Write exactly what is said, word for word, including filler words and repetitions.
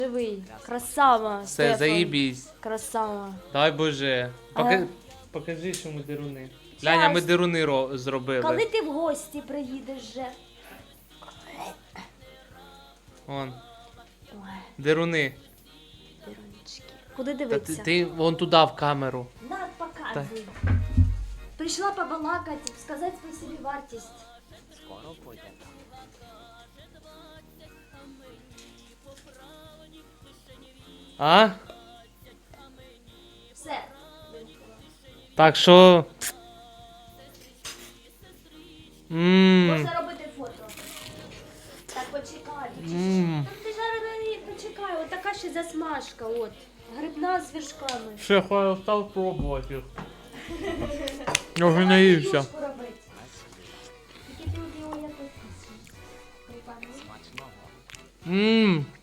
Живий. Красава. Все, Стефан. заїбісь. Красава. Дай Боже. Пока... Ага. Покажи, що ми деруни. Ляня, ми деруни ро... зробили. Коли ти в гості приїдеш вже? Вон, Ой, деруни. Віронечки. Куди Та ти, дивитися? ти вон туди в камеру. На, показуй. Прийшла побалакати, сказати свою собівартість. Скоро буде там. А? Все. Так що... Ммм. Можна робити фото. Так, почекай. Ммм. Так ти зараз на неї почекай, от така ще засмажка, от. Грибна з вершками. Ще хай став пробувати їх. Я вже наївся. Юшку робити. Тільки ти от його якось. Смачного. Ммм.